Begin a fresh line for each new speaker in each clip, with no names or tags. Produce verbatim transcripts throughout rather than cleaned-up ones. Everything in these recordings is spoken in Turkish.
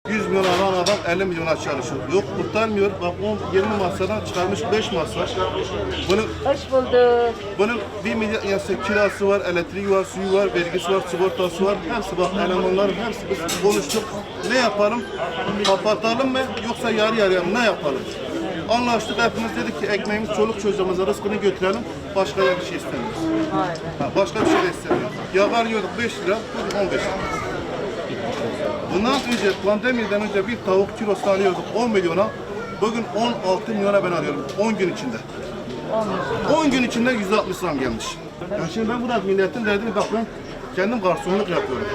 yüz milyon alan adam elli milyona çalışıyor. Yok kurtarmıyor. Bak on yirmi masadan çıkarmış beş masa. Bunun
Hoş bulduk.
bunun bir milyar yani kirası var, elektriği var, suyu var, vergisi var, sigortası var. Hepsi bak elemanların hepsi biz konuştuk. Ne yapalım? Kapatalım mı yoksa yarı yarıya mı? Ne yapalım? Anlaştık, hepimiz dedik ki ekmeğimiz çoluk çocuğumuza rızkını götürelim. Başka bir şey istemiyoruz. Ha, başka bir şey de istemiyoruz. Yağ yiyorduk beş lira, on beş lira. Bundan önce pandemiden önce bir tavuk kilosu alıyorduk on milyona. Bugün on altı milyona ben alıyorum on gün içinde. on gün içinde yüzde altmış zam gelmiş. Yani şimdi ben burada milletin derdini bak ben kendim garsonluk yapıyorum.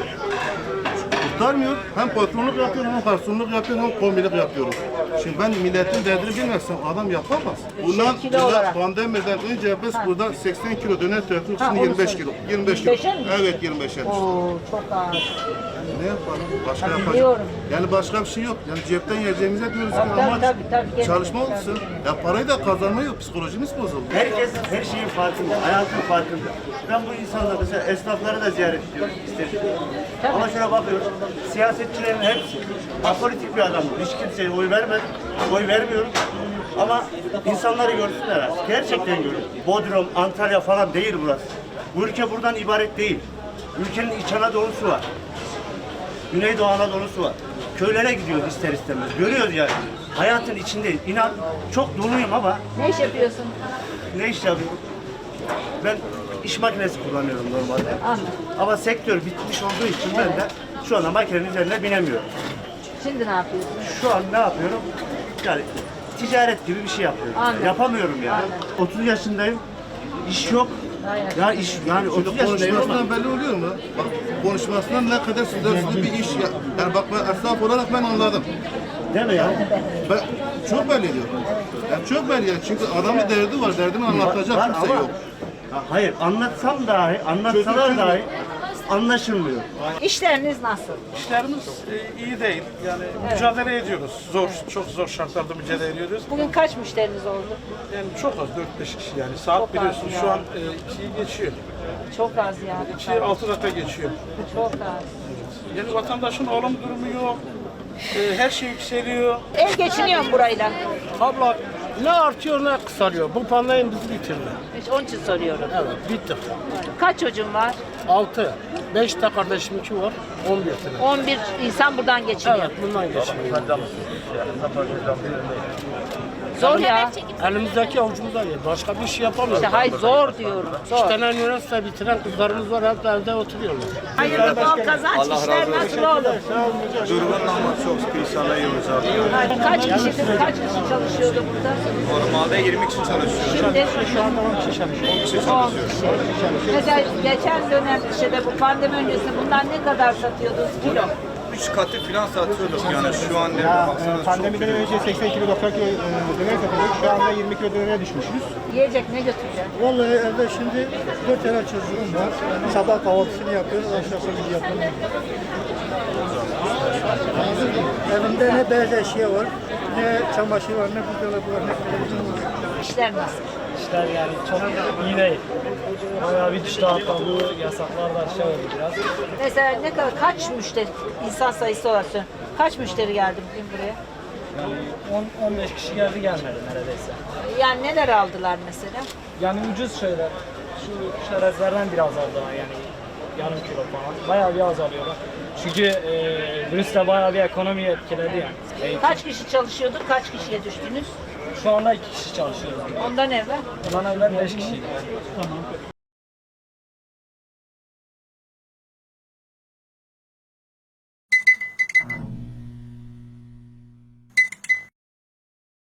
Kurtarmıyor. Hem patronluk yapıyorum, hem garsonluk yapıyorum, hem kombilik yapıyorum. Şimdi ben milletin derdini bilmezsem adam yapamaz. Bundan bundan pandemiden önce biz burada seksen kilo döner tüketiyorduk, şimdi yirmi beş kilo. yirmi beş kilo. Evet yirmi beşe düştü.
Oo, çok ağır.
Ne yapalım? Başka
Tabii
yapacak.
biliyorum.
Yani başka bir şey yok. Yani cepten yiyeceğimize diyoruz ki
Tabii,
amaç
tabii, tabii.
çalışma olsun. Ya parayı da kazanma yok. Psikolojimiz bozuldu.
Herkes her şeyin farkında, hayatın farkında. Ben bu insanları mesela esnafları da ziyaret ediyorum istedim. Ama şuna bakıyoruz, siyasetçilerin hepsi apolitik bir adam. Hiç kimseye oy vermedim, oy vermiyorum. Ama insanları görsünler artık. Gerçekten görün. Bodrum, Antalya falan değil burası. Bu ülke buradan ibaret değil. Ülkenin İç Anadolu'su var. Güneydoğu Anadolu'su var. Köylere gidiyoruz ister istemez. Görüyoruz yani. Hayatın içindeyiz. İnan çok doluyum ama
Ne iş yapıyorsun?
ne iş yapıyorum? Ben iş makinesi kullanıyorum normalde.
Anladım.
Ama sektör bitmiş olduğu için ben de şu anda makinenin üzerine binemiyorum.
Şimdi ne yapıyorsun?
Şu an ne yapıyorum? Yani ticaret gibi bir şey yapıyorum.
Anladım.
Yapamıyorum yani.
Anladım.
otuz yaşındayım. İş yok.
Aynen.
Ya iş yani otuz yaşındayım ama
Konuşmasından belli oluyor mu? Bak konuşmasından ne kadar sözlü bir iş ya. Yani bak ben esnaf olarak ben anladım.
değil mi ya?
Ben çok belli ediyor. Yani çok belli yani. Çünkü adamın derdi var. Derdini anlatacak
Var
kimse
ama-
yok.
Ha, hayır anlatsam dahi, anlatsalar
Çözüm-
dahi anlaşılmıyor.
İşleriniz nasıl?
İşlerimiz e, iyi değil. Yani mücadele ediyoruz. Zor, çok zor şartlarda mücadele ediyoruz.
Bugün kaç müşteriniz oldu?
Yani çok az, dört beş kişi yani. Saat
Çok az
biliyorsun
ya.
şu an e, ikiyi geçiyor.
Çok az yani.
ikiyi altı dakika geçiyor.
Çok az.
Yani vatandaşın alım durumu yok. E, her şey yükseliyor.
Ev geçiniyor mu burayla?
Abla ne artıyor ne kısalıyor. Bu pandemi bizi bitirdi.
Hiç onun için soruyorum.
Evet bittik.
Kaç çocuğun var?
Altı. Beş de kardeşimki var. On bir tane.
on bir insan buradan geçiniyor.
Evet bundan geçmiyor.
Zor ya.
Elimizdeki avucumuzda yer. Başka bir şey yapamıyoruz.
İşte hay zor diyorum.
İki
Zor.
tane üniversite bitiren kızlarımız var. Hep evde oturuyorlar.
Hayırlı bol kazanç. İşler nasıl oğlum?
Durumundan ama çok perişan yiyoruz abi.
Kaç kişidir? Kaç kişi çalışıyordu burada?
Normalde yirmi kişi çalışıyor.
Şimdi şu anda on kişi çalışıyor. Mesela geçen dönem işte bu pandemi öncesinde bundan ne kadar satıyordunuz kilo?
Üç katı falan satıyorduk yani şu an ne
Ya,
baksanız
e,
çok
pandemiden önce seksen kilo doksan kilo e, döner satıyorduk. Şu anda yirmi kilo dönere düşmüşüz.
Yiyecek ne götüreceksin?
Vallahi evde şimdi dört tane çocuğum var. Sabah kahvaltısını yapıyoruz, akşamını yapıyoruz. Evimde ne beyaz eşya var, ne çamaşır var, ne buzdolabı var, ne televizyon var.
İşler nasıl?
İşler yani çok iyi değil. Bayağı bir düştü hatta bu yasaklar da aşağı oldu biraz.
Mesela ne kadar kaç müşteri insan sayısı olarak söylüyorum. Kaç müşteri geldi bugün buraya?
on on beş kişi geldi gelmedi neredeyse.
Yani neler aldılar mesela?
Yani ucuz şeyler. Şu çerezlerden biraz aldılar yani yarım kilo falan. Bayağı bir azalıyorlar. Çünkü e, virüs de bayağı bir ekonomiyi etkiledi yani. Eğitim.
Kaç kişi çalışıyordu? Kaç kişiye düştünüz?
Şu anda iki kişi çalışıyoruz.
Ondan evvel?
Bundan evvel beş kişiydi.